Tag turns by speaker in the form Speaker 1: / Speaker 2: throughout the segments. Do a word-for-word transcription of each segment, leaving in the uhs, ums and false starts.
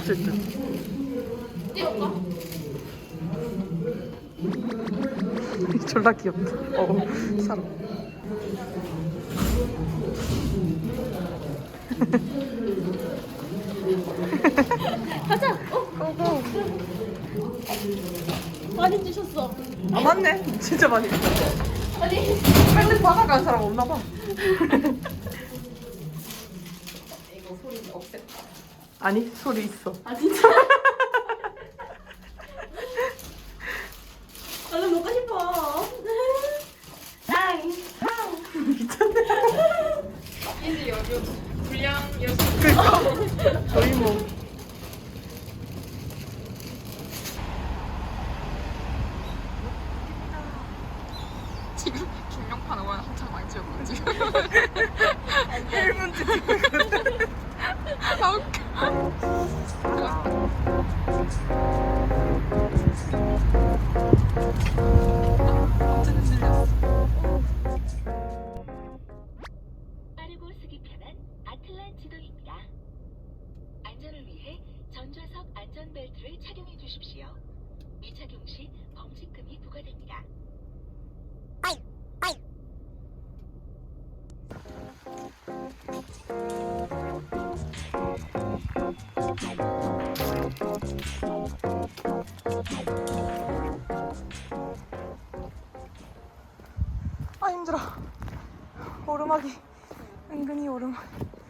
Speaker 1: 없을 듯.
Speaker 2: 띄울까?
Speaker 1: 졸라 귀엽다. 어, 사람.
Speaker 2: 가자. 어?
Speaker 1: 고고.
Speaker 2: 많이 주셨어.
Speaker 1: 아 맞네. 진짜 많이.
Speaker 2: 아니.
Speaker 1: 빨리 받아간 사람 없나 봐.
Speaker 2: 이거 소리 없앴다.
Speaker 1: 아니 소리 있어.
Speaker 2: 아 진짜? 얼른 먹고 싶어. 아이.
Speaker 1: 미쳤네.
Speaker 2: 이제 여기 불량 여기.
Speaker 1: 그니까. 거의 뭐.
Speaker 2: 지금 김용판 의원 한창 많이 찍었고 지금.
Speaker 1: 일 분 찍고 있거든.
Speaker 2: 아 웃겨.
Speaker 3: 빠르고 쓰기 편한 아틀란 지도입니다. 안전을 위해 전좌석 안전벨트를 착용해 주십시오. 미착용 시 범칙금이 부과됩니다.
Speaker 1: 아 힘들어. 오르막이 은근히 오르막.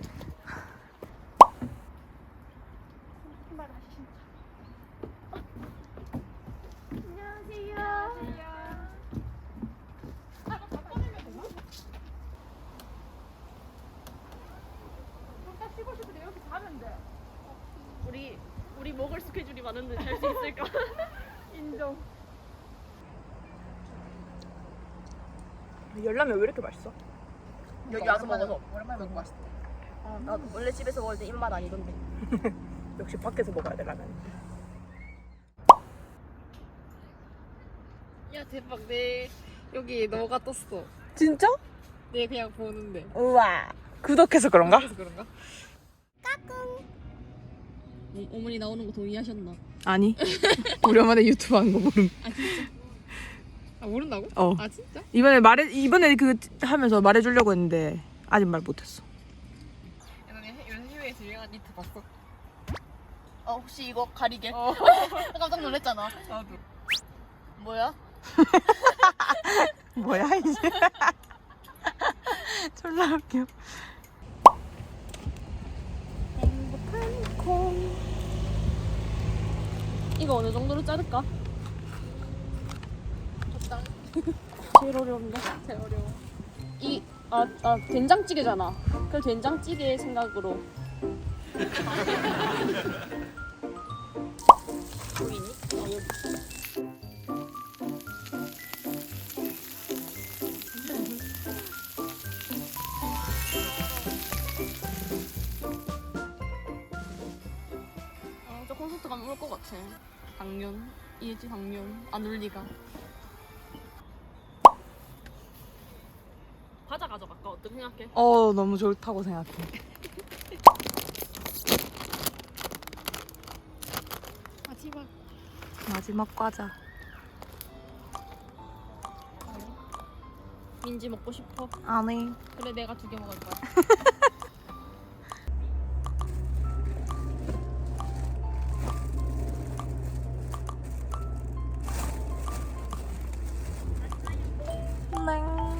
Speaker 2: 우리 우리 먹을 스케줄이 많은데 잘 수 있을까? 인정.
Speaker 1: 열라면 왜 이렇게 맛있어?
Speaker 2: 여기 와서 먹어서 오랜만에 먹고 맛있대.
Speaker 1: 아,
Speaker 2: 나도 원래 집에서 먹을 때 입맛 아니던데.
Speaker 1: 역시 밖에서 먹어야 돼 라면.
Speaker 2: 야 대박 내 여기 너가 떴어.
Speaker 1: 진짜?
Speaker 2: 내 그냥 보는데.
Speaker 1: 우와. 구독해서 그런가?
Speaker 2: 그래서 그런가? 까꿍. 어, 어머니 나오는 거 동의하셨나?
Speaker 1: 아니. 우리 엄마네 유튜브 하는 거 모름.
Speaker 2: 아 진짜? 아 모른다고?
Speaker 1: 어.
Speaker 2: 아 진짜?
Speaker 1: 이번에 말해 이번에 그 하면서 말해주려고 했는데 아직 말 못했어.
Speaker 2: 예전에 요새 해외에서 유행한 니트 봤어? 어 혹시 이거 가리개?
Speaker 1: 어.
Speaker 2: 깜짝 놀랐잖아.
Speaker 1: 나도.
Speaker 2: 뭐야?
Speaker 1: 뭐야 이제. 졸라 웃겨.
Speaker 2: 행복한 콩. 이거 어느 정도로 자를까? 적당. 제일 어려운데? 제일 어려워. 이, 아, 아, 된장찌개잖아. 그 된장찌개 생각으로. 보이니? 어, 여기. 어, 저 콘서트 가면 울 것 같아. 당연. 이해지 당연. 안 울 리가. 과자 가져갈까? 어떻게 생각해?
Speaker 1: 어 너무 좋다고 생각해.
Speaker 2: 마지막.
Speaker 1: 마지막 과자.
Speaker 2: 민지 먹고 싶어?
Speaker 1: 아니.
Speaker 2: 그래 내가 두 개 먹을 거야.
Speaker 1: 네.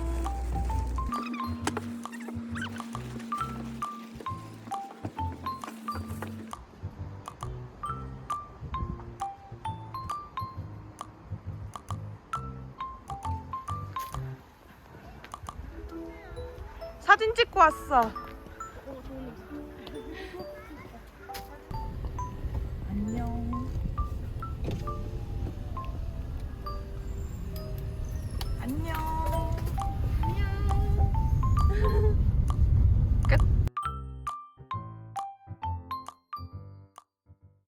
Speaker 1: 사진 찍고 왔어.
Speaker 2: 오 좋은 냄새.